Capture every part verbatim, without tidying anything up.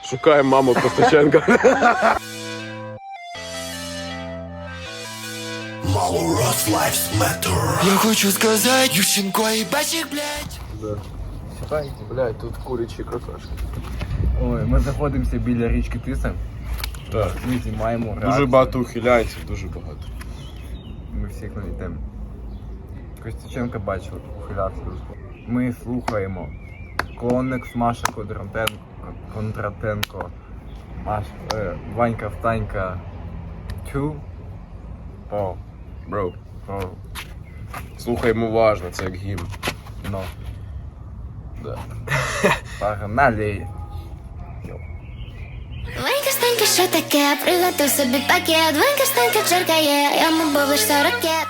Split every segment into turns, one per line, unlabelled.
Шукаємо маму Костаченка.
Я хочу сказать, Ющенко и Бачик, блядь.
Да. Блядь, тут курячі какашки.
Ой, ми знаходимося біля річки Тиса.
Так.
Ми знімаємо
Дуже
реакцію.
багато ухиляється, дуже багато.
Ми всіх навітемо. Костюченка бачив, ухилявся. Ми слухаємо Конекс, Маша Кондратенко, Кондратенко, Маш, е, Ванька Встанька, Тю, По,
Бро,
По,
слухаємо уважно, це як гімн.
Но.
Да.
Погнали!
Ванька, Станька, що таке? Приготуй собі пакет. Ванька, Станька, черкає, йому був лиш сорок ракет.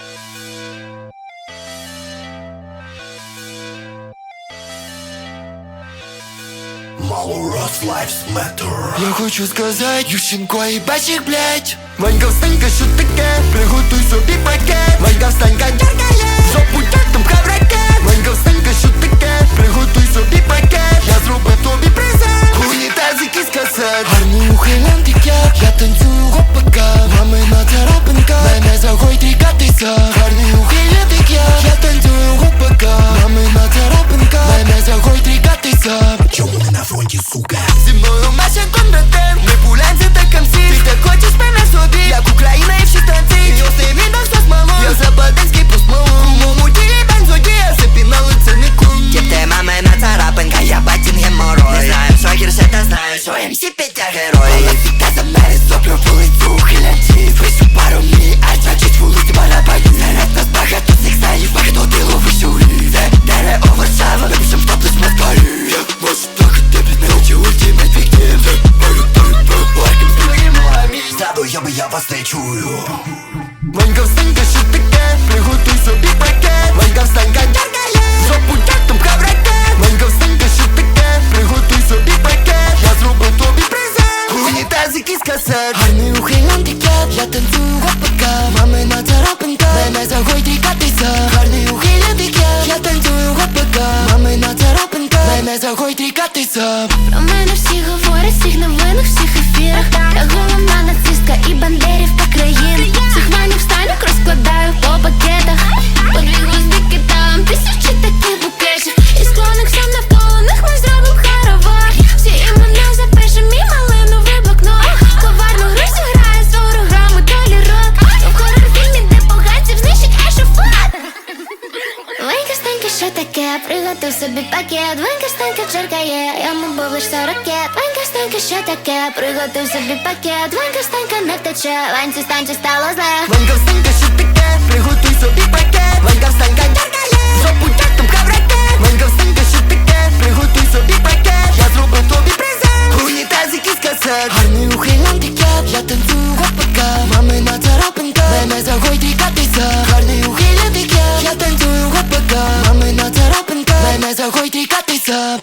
Я хочу сказать, Ющенко и Бачик, блядь. Ванька, Встанька, що таке? Приготуй собі пакет. Ванька, Встанька, дергає, жопу тягнем в хавраке. Ванька, Встанька, що таке? Приготуй собі пакет. Я зроблю тобі презент. Унітазики з касет. Гарний ухилянт, як я. Я танцюю гопака. Мамина царапинка. Мене загой трікатися. Гарний ухилянт, як я. Я танцюю гопака. Мамина царапинка. Мене загой трікатися. Чому не на фронті, сука? Зі мною Маша Кондратенко. Ми пуляємося так камсі. Ти так хочеш мене собі. Як Україна і всі станції. Йосний відос со смолом. Я западенський по смолу. У моєму тілі бензодія. Сипі на лице не кум. Тіп ти мамина царапинка. Я батін геморой. Не знаю, що гірше, та знаю, що ем сі Петя герой. Але фіта за мене зоплю вулицю ухилянців. Висю пару мій, а значить вулиці барабанів. Серед нас багато цих знаїв. Багато діло висюлі. Де дере у Варшава. Ми пишем топлес москалі. Я можу плакати тебе не очі ультимейт фіктив. Мою тобі лайком спілимо амі. Ззаду я би я вас не чую. Ванька, Встанька, що таке? Приготуй собі пакет. Ванька, Встанька, дергає, жопу тягнем в хавраке. Ванька, Встанька, що таке? Приготуй собі пакет. Я зроблю тобі презент. Унітазики з касет. Гарний ухилянт, як я. Я танцюю гопака. Мамина царапинка. Мене загой трікатися. Гарний ухилянт, як я. Я танцюю гопака. Мамина царапинка. Мене загой трікатися.
Про мене всі говорять, всіх новинах, всіх ефірах. Я головна нацистка і бандерів та країн. Всіх ванів станок розкладаю по пакетах. По дві гвоздики там тисячі таких букетів. І склоник сам навколо них ми зробим хоровар. Всі імена запишем і малиновий блокнот. Коварну гру зіграє з ворогами долі рок. В хоррор-фільмі, де поганців знищить ешафот. Ванька, Станька, що таке? Приготуй собі пакет. Ванька, Станька, черкає, йому був лиш сорок ракет. Ванька, Станька, що таке? Приготуй собі пакет. Ванька, Станька, не втече. Ваньці, Станьці стало зле.
Ванька, Встанька, що таке? Приготуй собі пакет. Ванька, Встанька, дергає, жопу тягнем в хавраке. Ванька, Встанька, що таке? Приготуй собі пакет. Я зроблю тобі презент. Унітазики з касет. Гарний ухилянт, як я. Я танцюю гопака. Мамина царапинка. Мене загой трікатися. Гарний ухилянт, як я. Я танцюю гопака. Мамина царапинка. Мене загой трікатися.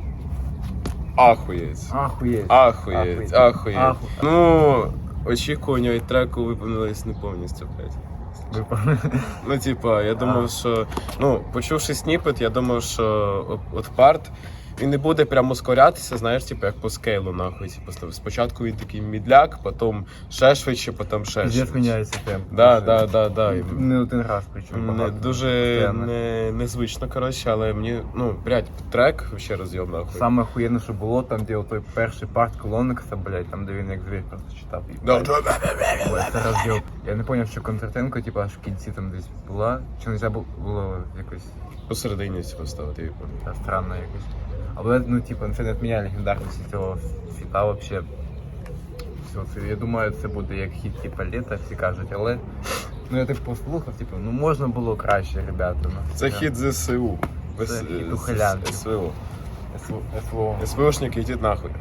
Ахуєць.
Ахуєть.
Ахуєць, ахуєць.
Аху-
Ну, очікування від треку виповнились не повністю, блядь.
Випав.
Ну, типа, я думав, що, ну, почувши сніпет, я думав, що от, от парт, він не буде прямо ускорятися, знаєш, типу, як по скейлу, нахуй. Типу, спочатку він такий мідляк, потім ще швидше, потім ще
Здесь
швидше.
міняється темп.
Да, да, да, да. І
Не один раз, причому
Не,
багато.
дуже
Постійно.
не, незвично, коротше, але мені, ну, блядь, трек ще роз'єм, нахуй.
Саме охуєнне, що було, там, де той перший парт Колоникса, блядь, там, де він як звір просто читав.
Да.
Ой, це роз'єб. Я не зрозумів, що Кондратенко, типу, аж в кінці там десь була, чи не можна було якось
Посередині цього ставити, я пам'ятаю.
та, странно якось. Але, ну, типу, це не відміняє легендарності цього фіта вообще. Все, це, я думаю, це буде як хіт, типу, літа, всі кажуть, але, ну, я так послухав, типу, ну, можна було краще, ребята. Ну,
Це
я-
хід ЗСУ.
Це хід ухилянтів.
СВО.
СВО.
СВОшники, йдіть нахуй.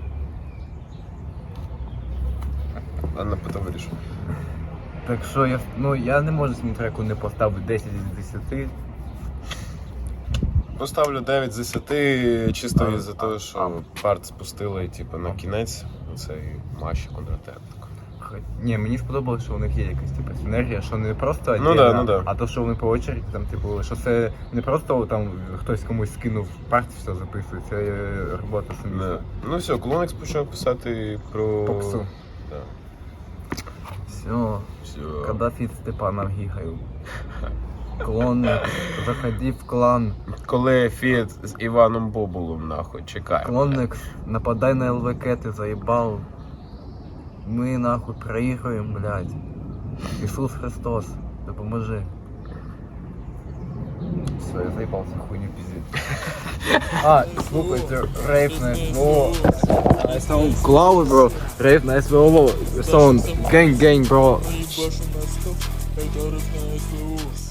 Ладно, потім вирішу.
Так що я, ну, я не можу цьому треку не поставити десять з десяти.
Поставлю дев'ять з десяти, чисто
А,
із-за
а,
того, що парт спустили, типу, на кінець. Цей Маші Кондратенко.
Хоч- Ні, мені сподобалося, що у них є якась типу синергія, що не просто
Ну
отдельно,
да, ну да.
а то, що вони по очереді, там, типу, що це не просто там хтось комусь скинув парт, все записує, це е, робота
Да.
сумісна.
Ну все, Клонекс почав писати про...
Попсу.
Да.
Все,
Все.
когда фіт Степаном гігаю. Клонник, заходи в клан.
Коли фіт з Іваном Бобулом, нахуй, чекаємо.
Клонник, нападай на ЛВК, ты заебал. Мы нахуй проиграем, блядь. Иисус Христос, допоможи. Все, я заебался хуйню пиздеть. А, слухайте, рейв на СВО. Клауд, бро. Рейв на СВО. Сон, гэнг, гэнг, бро.
Башу на стоп, это рыв на СВО.